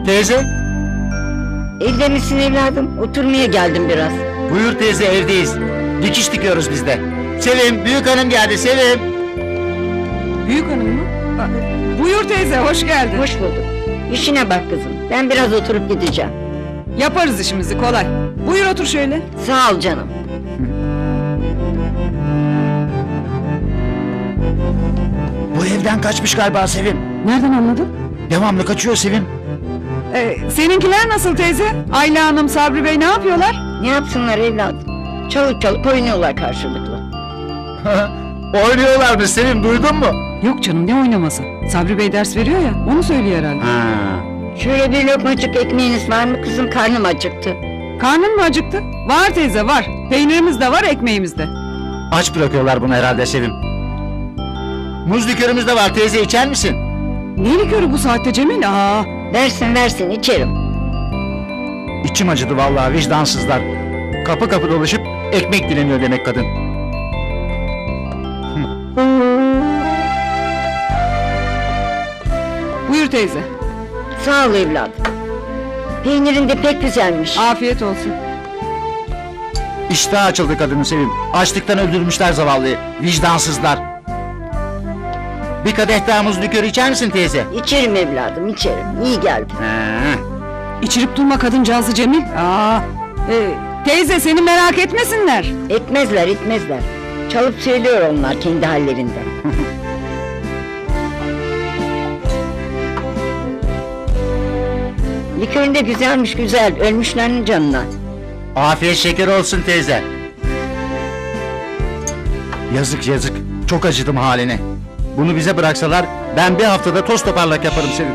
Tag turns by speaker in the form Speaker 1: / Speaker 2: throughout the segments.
Speaker 1: Teyze?
Speaker 2: Evde misin evladım? Oturmaya geldim biraz.
Speaker 1: Buyur teyze, evdeyiz. Dikiş dikiyoruz biz de. Sevim, büyük hanım geldi, Sevim.
Speaker 3: Büyük hanım mı? Buyur teyze, hoş geldin.
Speaker 2: Hoş bulduk. İşine bak kızım. Ben biraz oturup gideceğim.
Speaker 3: Yaparız işimizi, kolay. Buyur otur şöyle.
Speaker 2: Sağ ol canım.
Speaker 1: Bu evden kaçmış galiba Sevim.
Speaker 3: Nereden anladın?
Speaker 1: Devamlı kaçıyor Sevim.
Speaker 3: Seninkiler nasıl teyze? Ayla Hanım, Sabri Bey ne yapıyorlar?
Speaker 2: Ne yapsınlar evladım? Çalıp çalıp oynuyorlar karşılıklı.
Speaker 1: Oynuyorlar mı Sevim, duydun mu?
Speaker 3: Yok canım, ne oynaması? Sabri Bey ders veriyor ya, onu söylüyor herhalde.
Speaker 2: Şöyle bir lokmacık ekmeğiniz var mı kızım? Karnım acıktı.
Speaker 3: Karnın mı acıktı? Var teyze, var. Peynirimiz de var, ekmeğimiz de.
Speaker 1: Aç bırakıyorlar bunu herhalde Sevim. Muz likörümüz de var teyze, içer misin?
Speaker 3: Ne likörü bu saatte Cemil?
Speaker 2: Versin versin içerim.
Speaker 1: İçim acıdı vallahi, vicdansızlar. Kapı kapı dolaşıp ekmek dileniyor demek kadın.
Speaker 3: Buyur teyze.
Speaker 2: Sağ ol evladım. Peynirin de pek güzelmiş.
Speaker 3: Afiyet olsun.
Speaker 1: İştah açıldı kadının Sevim. Açlıktan öldürmüşler zavallıyı. Vicdansızlar. Bir kadeh daha muz likörü içer misin teyze?
Speaker 2: İçerim evladım içerim. İyi geldi.
Speaker 3: İçirip durma kadıncağızı Cemil. Teyze seni merak etmesinler.
Speaker 2: Etmezler etmezler. Çalıp söylüyor onlar kendi hallerinden. Likörün de güzelmiş güzel. Ölmüşlerin canına.
Speaker 1: Afiyet şeker olsun teyze. Yazık yazık. Çok acıdım haline. Bunu bize bıraksalar ben bir haftada toz toparlak yaparım Sevim.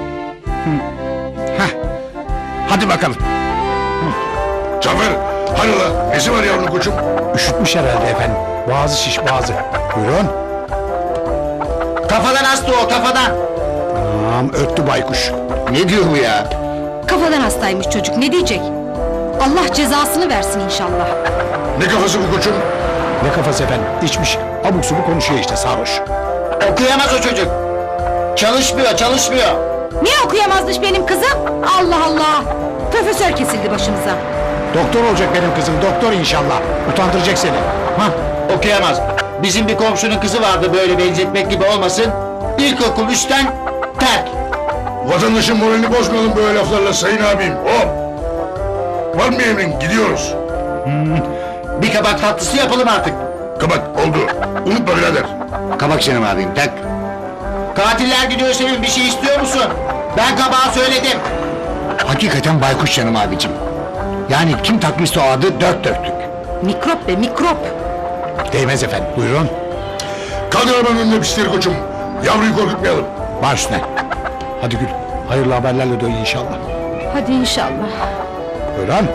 Speaker 1: Hadi bakalım.
Speaker 4: Cafer, hayrola, nesi var yavrum koçum?
Speaker 5: Üşütmüş herhalde efendim. Boğazı şiş boğazı. Buyurun.
Speaker 1: Kafadan hasta o, kafadan.
Speaker 5: Tamam, örttü baykuş.
Speaker 1: Ne diyor bu ya?
Speaker 6: Kafadan hastaymış çocuk, ne diyecek? Allah cezasını versin inşallah.
Speaker 4: Ne kafası bu koçum?
Speaker 5: Ne kafası efendim? İçmiş. Abuk subuk konuşuyor işte, sarhoş.
Speaker 1: Okuyamaz o çocuk. Çalışmıyor, çalışmıyor.
Speaker 6: Niye okuyamazmış benim kızım? Allah Allah! Profesör kesildi başımıza.
Speaker 5: Doktor olacak benim kızım, doktor inşallah. Utandıracak seni.
Speaker 1: Okuyamaz. Bizim bir komşunun kızı vardı, böyle benzetmek gibi olmasın. İlkokul 3'ten terk.
Speaker 4: Vatandaşın moralini bozmayalım böyle laflarla sayın abim. Hop! Var mı emrin? Gidiyoruz.
Speaker 1: Bir kabak tatlısı yapalım artık.
Speaker 4: Kabak, oldu. Unutma birader.
Speaker 1: Kabak canım abim, tak. Katiller gidiyor Sevim, bir şey istiyor musun? Ben kabağa söyledim.
Speaker 5: Hakikaten baykuş canım abicim. Yani kim takmışsa o adı dört dörtlük.
Speaker 6: Mikrop be mikrop!
Speaker 5: Değmez efendim, buyurun.
Speaker 4: Kaldır arabanın önüne pisleri koçum. Yavruyu korkutmayalım.
Speaker 5: Baş üstüne. Hadi Gül, hayırlı haberlerle dön inşallah.
Speaker 6: Hadi inşallah.
Speaker 5: Buyurun.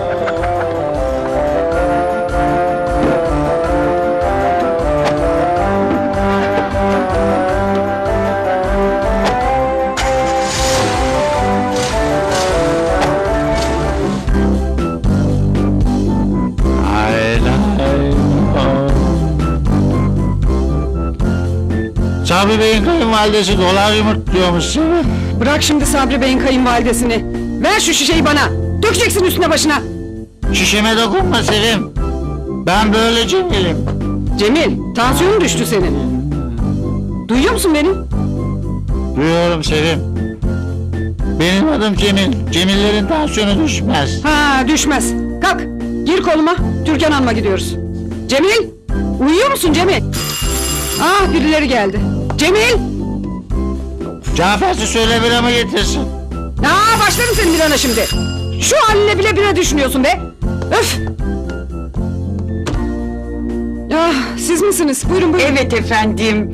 Speaker 1: Sabri Bey'in kayınvalidesi dolar yumurtluyormuş Sevim.
Speaker 3: Bırak şimdi Sabri Bey'in kayınvalidesini. Ver şu şişeyi bana. Dökeceksin üstüne başına.
Speaker 1: Şişeme dokunma Sevim. Ben böyle Cemil'im.
Speaker 3: Cemil, tansiyonun düştü senin. Duyuyor musun beni?
Speaker 1: Duyuyorum Sevim. Benim adım Cemil. Cemillerin tansiyonu düşmez.
Speaker 3: Düşmez. Kalk, gir koluma. Türkan Hanım'a gidiyoruz. Cemil, uyuyor musun Cemil? Birileri geldi. Cemil!
Speaker 1: Cafer'si söyle biramı getirsin.
Speaker 3: Başlarım senin birana şimdi. Şu haline bile bira düşünüyorsun be. Öf! Siz misiniz? Buyurun buyurun.
Speaker 7: Evet efendim.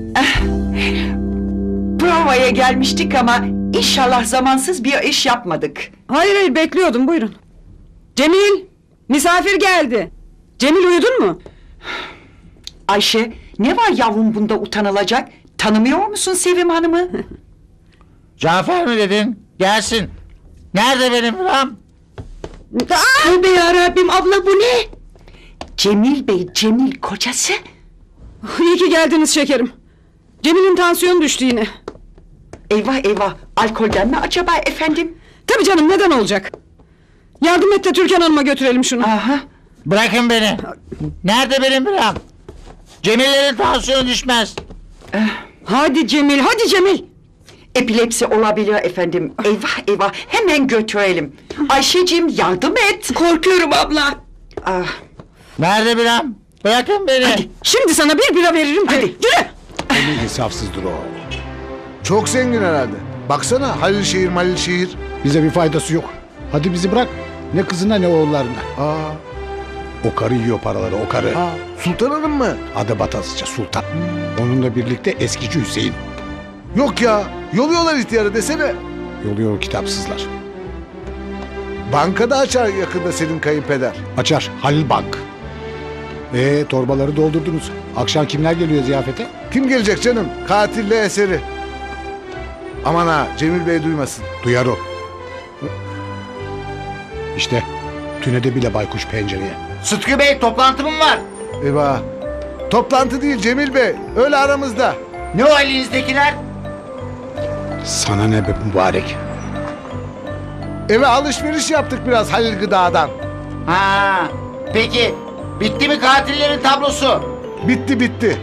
Speaker 7: Provaya gelmiştik ama inşallah zamansız bir iş yapmadık.
Speaker 3: Hayır bekliyordum buyurun. Cemil! Misafir geldi. Cemil uyudun mu?
Speaker 7: Ayşe, ne var yavrum bunda utanılacak? Tanımıyor musun Sevim Hanım'ı?
Speaker 1: Cafer mi dedin? Gelsin. Nerede benim biram?
Speaker 7: Tövbe yarabbim abla bu ne? Cemil Bey, Cemil kocası.
Speaker 3: İyi ki geldiniz şekerim. Cemil'in tansiyonu düştü yine.
Speaker 7: Eyvah eyvah, alkolden mi acaba efendim?
Speaker 3: Tabii canım, neden olacak? Yardım et de Türkan Hanım'a götürelim şunu.
Speaker 7: Aha.
Speaker 1: Bırakın beni. Nerede benim biram? Cemillerin tansiyonu düşmez.
Speaker 3: Hadi Cemil, hadi Cemil.
Speaker 7: Epilepsi olabilir efendim. Eyvah eyvah, hemen götürelim. Ayşeciğim yardım et. Korkuyorum abla. Ah,
Speaker 1: Nerede biram? Bırakın beni.
Speaker 7: hadi.
Speaker 3: Şimdi sana bir bira veririm.
Speaker 7: Hadi.
Speaker 3: Yürü.
Speaker 5: Ne insafsızdır o.
Speaker 8: Çok zengin herhalde. Baksana Halil şehir.
Speaker 5: Bize bir faydası yok. Hadi bizi bırak. Ne kızına ne oğullarına.
Speaker 8: Aa,
Speaker 5: O karı yiyor paraları, o karı.
Speaker 8: Sultan Hanım mı?
Speaker 5: Adı Batasıca Sultan. Onunla birlikte eskici Hüseyin.
Speaker 8: Yok ya. Yoluyorlar ihtiyarı desene.
Speaker 5: Yoluyor o kitapsızlar.
Speaker 8: Bankada açar yakında senin kayınpeder.
Speaker 5: Açar Halil Bank. Torbaları doldurdunuz. Akşam kimler geliyor ziyafete?
Speaker 8: Kim gelecek canım? Katille eseri. Aman ha Cemil Bey duymasın.
Speaker 5: Duyar o. İşte tünede bile baykuş pencereye.
Speaker 1: Sıtkı Bey toplantım var.
Speaker 8: Eyvah. Toplantı değil Cemil Bey. Öyle aramızda.
Speaker 1: Ne o elinizdekiler?
Speaker 5: Sana ne be mübarek.
Speaker 8: Eve alışveriş yaptık biraz Halil Gıda'dan.
Speaker 1: Ha. Peki bitti mi katillerin tablosu?
Speaker 8: Bitti.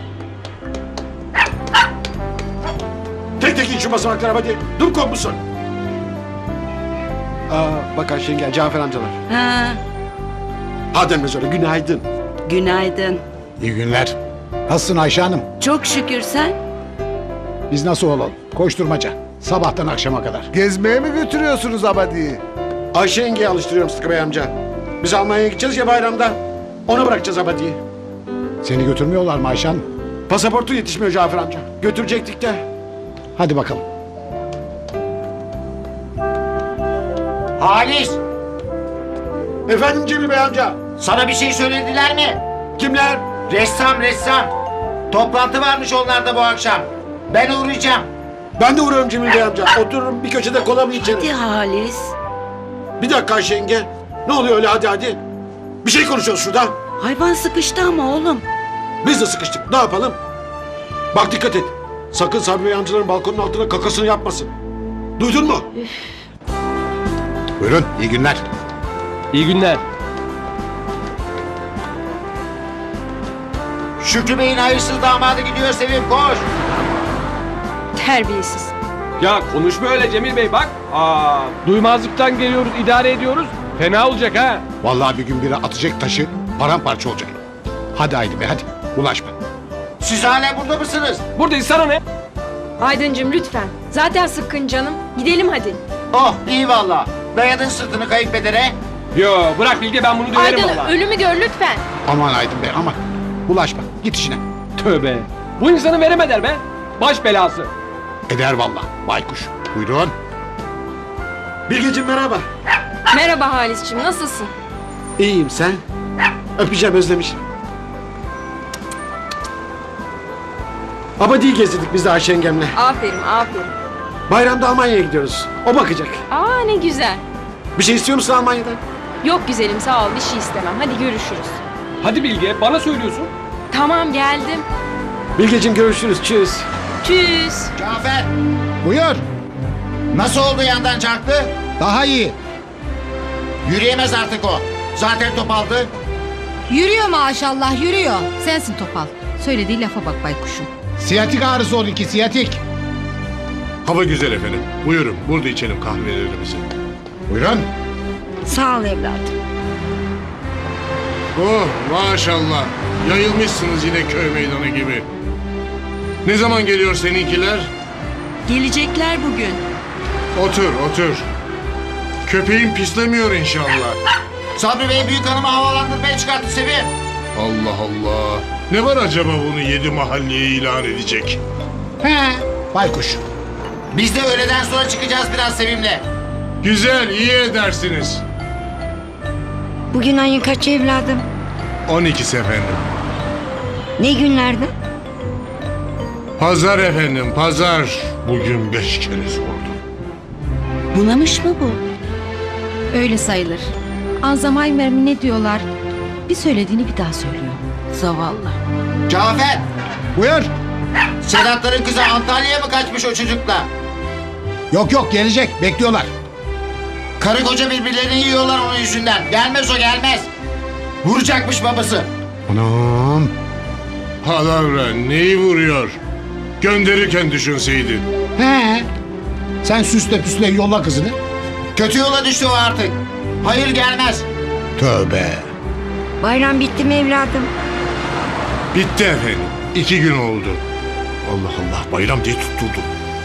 Speaker 9: Tek tek in şu basamaklara hadi. Dur kopmuşsun. Bak Ayşe yenge, Cafer amcalar.
Speaker 7: Ha,
Speaker 9: Adem Mezarı günaydın.
Speaker 7: günaydın.
Speaker 5: İyi günler. Nasılsın Ayşe Hanım?
Speaker 7: Çok şükür sen.
Speaker 5: Biz nasıl olalım? Koşturmaca. Sabahtan akşama kadar.
Speaker 8: Gezmeye mi götürüyorsunuz Abadi'yi?
Speaker 9: Ayşe yengeye alıştırıyorum Sıtkı Bey amca. Biz Almanya'ya gideceğiz ya bayramda. Ona bırakacağız abadiyi.
Speaker 5: Seni götürmüyorlar mı Ayşe Hanım?
Speaker 9: Pasaportu yetişmiyor Cafer amca. Götürecektik de.
Speaker 5: Hadi bakalım.
Speaker 1: Halis,
Speaker 9: Efendim Cemil Bey amca.
Speaker 1: sana bir şey söylediler mi?
Speaker 9: Kimler?
Speaker 1: Ressam. Toplantı varmış onlarda bu akşam. Ben uğrayacağım.
Speaker 9: Ben de uğrarım Cemil Bey amca. Otururum bir köşede kolamı içerim.
Speaker 7: Hadi Halis.
Speaker 9: Bir dakika Ayşe yenge. Ne oluyor öyle hadi. Bir şey konuşuyoruz şurada.
Speaker 7: Hayvan sıkıştı ama oğlum.
Speaker 9: Biz de sıkıştık. Ne yapalım? Bak dikkat et. Sakın Sabri Bey amcaların balkonun altına kakasını yapmasın. Duydun mu?
Speaker 5: Buyurun, iyi günler.
Speaker 10: İyi günler.
Speaker 1: Şükrü Bey'in hayırsız damadı gidiyor Sevim koş.
Speaker 3: Terbiyesiz.
Speaker 10: Ya konuşma öyle Cemil Bey bak. Duymazlıktan geliyoruz, idare ediyoruz. Fena olacak ha.
Speaker 5: Vallahi bir gün biri atacak taşı, paramparça olacak. Hadi Haydi Bey, hadi. Ulaşma.
Speaker 1: Siz hala burada mısınız?
Speaker 10: Buradayız, sana ne?
Speaker 6: Aydıncığım lütfen. Zaten sıkkın canım. Gidelim hadi.
Speaker 1: Oh iyi valla. Dayadın sırtını kayınpedere.
Speaker 10: Yo bırak Bilge, ben bunu döverim
Speaker 6: Aydın
Speaker 10: valla.
Speaker 6: ölümü gör lütfen.
Speaker 5: Aman Aydın Bey, aman. Ulaşma, git işine.
Speaker 10: Tövbe. Bu insanı veremeder be. Baş belası.
Speaker 5: Eder vallahi, baykuş. Buyurun.
Speaker 9: Bilgeciğim merhaba.
Speaker 6: Merhaba Halis'cim nasılsın?
Speaker 9: İyiyim sen? Öpeceğim özlemişim. Abadi'yi gezdirdik biz de Ayşe yengemle.
Speaker 6: Aferin.
Speaker 9: Bayramda Almanya'ya gidiyoruz. O bakacak.
Speaker 6: Aa ne güzel.
Speaker 9: Bir şey istiyor musun Almanya'dan?
Speaker 6: Yok güzelim sağ ol bir şey istemem. Hadi görüşürüz.
Speaker 10: Hadi Bilge, bana söylüyorsun.
Speaker 6: Tamam geldim.
Speaker 9: Bilgeciğim görüşürüz. Çüz.
Speaker 6: Tschüss.
Speaker 1: Cafer
Speaker 5: Buyur.
Speaker 1: nasıl oldu yandan çarptı?
Speaker 5: Daha iyi.
Speaker 1: Yürüyemez artık o. Zaten topaldı.
Speaker 11: Yürüyor maşallah yürüyor. Sensin topal. Söylediği lafa bak baykuşum.
Speaker 5: Siyatik ağrısı oldu ki, siyatik.
Speaker 4: Hava güzel efendim. Buyurun burada içelim kahvelerimizi.
Speaker 5: Buyurun.
Speaker 2: Sağ ol evladım.
Speaker 4: Oh maşallah. Yayılmışsınız yine köy meydanı gibi. Ne zaman geliyor seninkiler?
Speaker 7: Gelecekler bugün.
Speaker 4: Otur. Köpeğin pislemiyor inşallah.
Speaker 1: Sabri Bey büyük hanımı havalandırmaya çıkarttı Sevim.
Speaker 4: Allah Allah. Ne var acaba bunu 7 mahalleye ilan edecek?
Speaker 5: Baykuş.
Speaker 1: Biz de öğleden sonra çıkacağız biraz Sevim'le.
Speaker 4: Güzel, iyi edersiniz.
Speaker 2: Bugün ayın kaçı evladım?
Speaker 4: 12 efendim.
Speaker 2: Ne günlerde?
Speaker 4: Pazar efendim, pazar. Bugün 5 kere sordum.
Speaker 7: Bunamış mı bu?
Speaker 11: Öyle sayılır. Alzheimer mi ne diyorlar? Bir söylediğini bir daha söylüyor.
Speaker 7: Zavallı.
Speaker 1: Cafer
Speaker 5: Buyur.
Speaker 1: Sedatların kızı Antalya'ya mı kaçmış o çocukla?
Speaker 5: Yok gelecek, bekliyorlar.
Speaker 1: Karı koca birbirlerini yiyorlar onun yüzünden. Gelmez o gelmez. Vuracakmış babası.
Speaker 5: Anam.
Speaker 4: Palavra neyi vuruyor? Gönderirken düşünseydin.
Speaker 5: He. Sen süsle püsle yolla kızını.
Speaker 1: Kötü yola düştü o artık. Hayır gelmez.
Speaker 5: Tövbe.
Speaker 2: Bayram bitti mi evladım?
Speaker 4: Bitti efendim. 2 gün oldu. Allah Allah bayram diye tutturdu.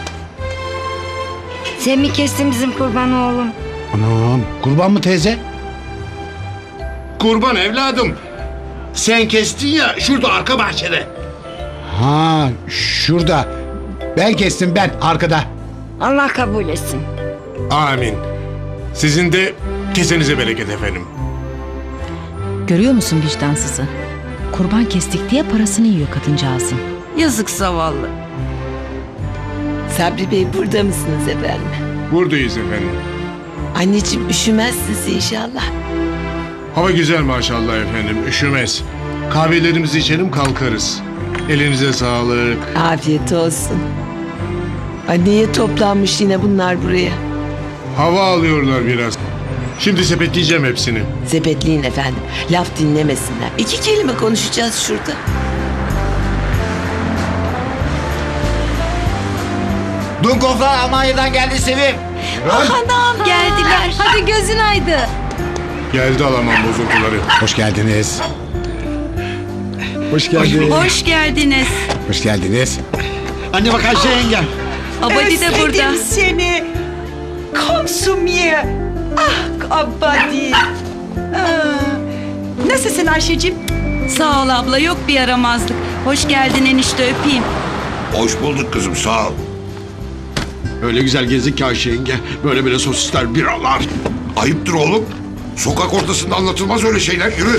Speaker 2: Sen mi kestin bizim kurbanı oğlum?
Speaker 5: Anam. Kurban mı teyze?
Speaker 9: Kurban evladım. Sen kestin ya şurada arka bahçede.
Speaker 5: Ha şurada. Ben kestim ben arkada.
Speaker 2: Allah kabul etsin.
Speaker 4: Amin. Sizin de kesenize bereket efendim.
Speaker 11: Görüyor musun vicdansızı? Kurban kestik diye parasını yiyor kadıncağızın.
Speaker 7: Yazık zavallı.
Speaker 12: Sabri Bey burada mısınız efendim?
Speaker 4: Buradayız efendim.
Speaker 12: Anneciğim üşümezsiniz inşallah.
Speaker 4: Hava güzel maşallah efendim. Üşümez. Kahvelerimizi içelim kalkarız. Elinize sağlık.
Speaker 12: Afiyet olsun. Niye toplanmış yine bunlar buraya?
Speaker 4: Hava alıyorlar biraz. Şimdi sepetleyeceğim hepsini.
Speaker 12: Sepetleyin efendim. Laf dinlemesinler. 2 kelime konuşacağız şurada.
Speaker 1: Dunkoflar Almanya'dan geldi Sevim.
Speaker 11: Anam geldiler. Hadi gözün aydı.
Speaker 4: Geldi alamam bozuntuları.
Speaker 5: Hoş geldiniz. Hoş geldiniz.
Speaker 7: Hoş geldiniz.
Speaker 5: Hoş geldiniz.
Speaker 9: Anne bak Ayşe yengem.
Speaker 7: Abadi de burada. Seni. Komşum ye. Ah Abadi. Nasılsın Ayşe'cim? Sağ ol abla, yok bir yaramazlık. Hoş geldin enişte, öpeyim.
Speaker 4: Hoş bulduk kızım sağ ol.
Speaker 9: Öyle güzel gezdik ki Ayşe yenge. Böyle sosisler, biralar.
Speaker 4: Ayıptır oğlum. Sokak ortasında anlatılmaz öyle şeyler. Yürü.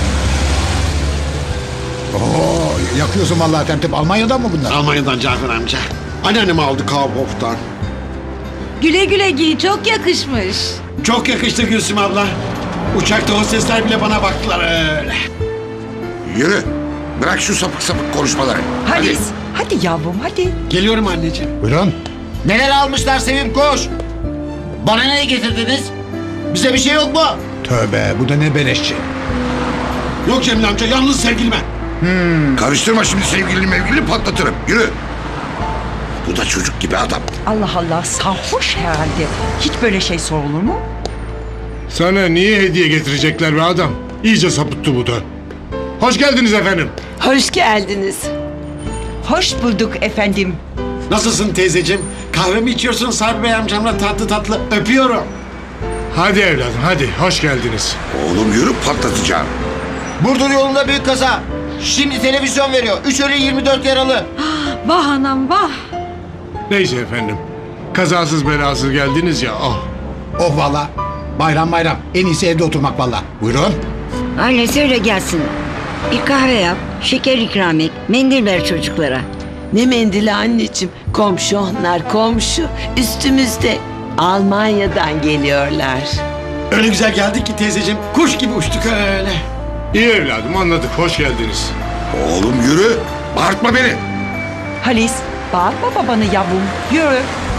Speaker 5: Oo, yakıyorsun vallahi temtep. Almanya'dan mı bunlar?
Speaker 9: Almanya'dan Cafer amca. Anneannemi aldı Kaufhof'tan.
Speaker 6: Güle güle giy, çok yakışmış.
Speaker 9: Çok yakıştı Gülsüm abla. Uçakta hostesler bile bana baktılar öyle.
Speaker 4: Yürü. Bırak şu sapık sapık konuşmaları.
Speaker 7: Halis, hadi yavrum hadi.
Speaker 9: Geliyorum anneciğim.
Speaker 5: Buyurun.
Speaker 1: Neler almışlar Sevim koş. Bana ne getirdiniz? Bize bir şey yok mu?
Speaker 5: Tövbe bu da ne beleşçi.
Speaker 9: Yok Cemil amca yalnız sevgilime.
Speaker 4: Karıştırma şimdi sevgilini mevgilini patlatırım. Yürü. Bu da çocuk gibi adam.
Speaker 7: Allah Allah, sarhoş herhalde. Hiç böyle şey sorulur mu?
Speaker 4: Sana niye hediye getirecekler be adam? İyice sapıttı bu da. Hoş geldiniz efendim.
Speaker 12: Hoş geldiniz.
Speaker 7: Hoş bulduk efendim.
Speaker 9: Nasılsın teyzeciğim? Kahve mi içiyorsun Sabri Bey amcamla tatlı tatlı? Öpüyorum.
Speaker 4: Hadi evladım hadi hoş geldiniz.
Speaker 8: Oğlum yürü patlatacağım.
Speaker 1: Burdur yolunda büyük kaza. Şimdi televizyon veriyor. 3 ölü 24 yaralı.
Speaker 11: Vah anam vah.
Speaker 4: Neyse efendim. Kazasız belasız geldiniz ya. Oh.
Speaker 5: Oh valla. Bayram bayram. En iyisi evde oturmak valla. Buyurun.
Speaker 2: Anne söyle gelsin. Bir kahve yap, şeker ikram et, mendil ver çocuklara.
Speaker 12: Ne mendili anneciğim? Komşu onlar komşu. Üstümüzde. Almanya'dan geliyorlar.
Speaker 9: Öyle güzel geldik ki teyzeciğim. Kuş gibi uçtuk öyle.
Speaker 4: İyi evladım anladık hoş geldiniz.
Speaker 8: Oğlum yürü. Bağırtma beni.
Speaker 7: Halis, bağırma babanı yavrum. Yürü.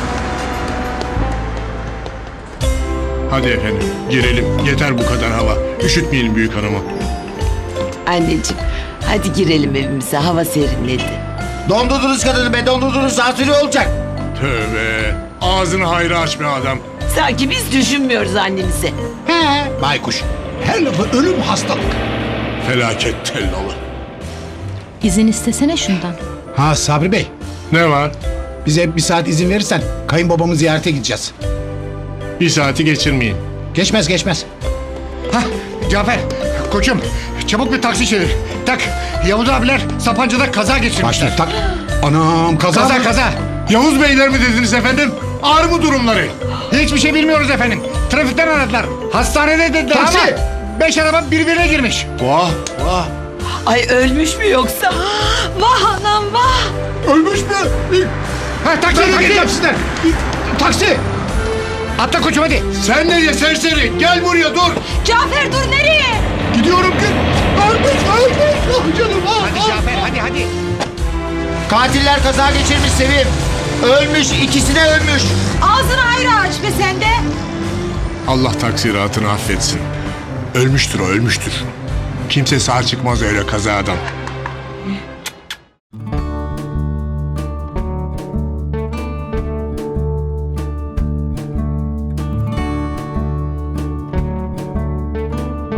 Speaker 4: Hadi efendim girelim. Yeter bu kadar hava. Üşütmeyelim büyük hanımı.
Speaker 12: Anneciğim hadi girelim evimize, hava serinledi.
Speaker 1: Dondurdunuz kadını be dondurdunuz. Zatürre olacak.
Speaker 4: Tövbe. Ağzını hayra aç be adam.
Speaker 12: Sanki biz düşünmüyoruz annemize.
Speaker 5: He. Baykuş. Her lafı ölüm hastalık.
Speaker 4: Felaket tellalı.
Speaker 11: İzin istesene şundan.
Speaker 5: Ha Sabri Bey.
Speaker 4: Ne var?
Speaker 5: Bize bir saat izin verirsen kayınbabamı ziyarete gideceğiz.
Speaker 4: Bir saati geçirmeyin.
Speaker 5: Geçmez geçmez.
Speaker 8: Hah Cafer koçum çabuk bir taksi çevir. Tak Yavuz abiler Sapanca'da kaza geçirmişler.
Speaker 5: Başla tak. Anam kaza mı?
Speaker 8: Kaza.
Speaker 4: Yavuz beyler mi dediniz efendim? Ağır mı durumları?
Speaker 8: Hiçbir şey bilmiyoruz efendim. Trafikten aradılar. Hastanede dediler
Speaker 5: Taksi.
Speaker 8: ama 5 araba birbirine girmiş.
Speaker 4: Vah vah.
Speaker 12: Ay ölmüş mü yoksa?
Speaker 11: Vah anam vah.
Speaker 8: Ölmüş mü? Ha taksi. Taksi. Atla koçum hadi.
Speaker 4: Sen nereye serseri? Gel buraya dur.
Speaker 11: Cafer dur nereye?
Speaker 8: Gidiyorum ki. Ölmüş. Ah canım ah. Hadi Cafer hadi.
Speaker 1: Katiller kaza geçirmiş Sevim. Ölmüş ikisi de ölmüş.
Speaker 6: Ağzını ayrı aç be sen de.
Speaker 4: Allah taksiratını affetsin. Ölmüştür o, ölmüştür. Kimse sağ çıkmaz öyle kazadan.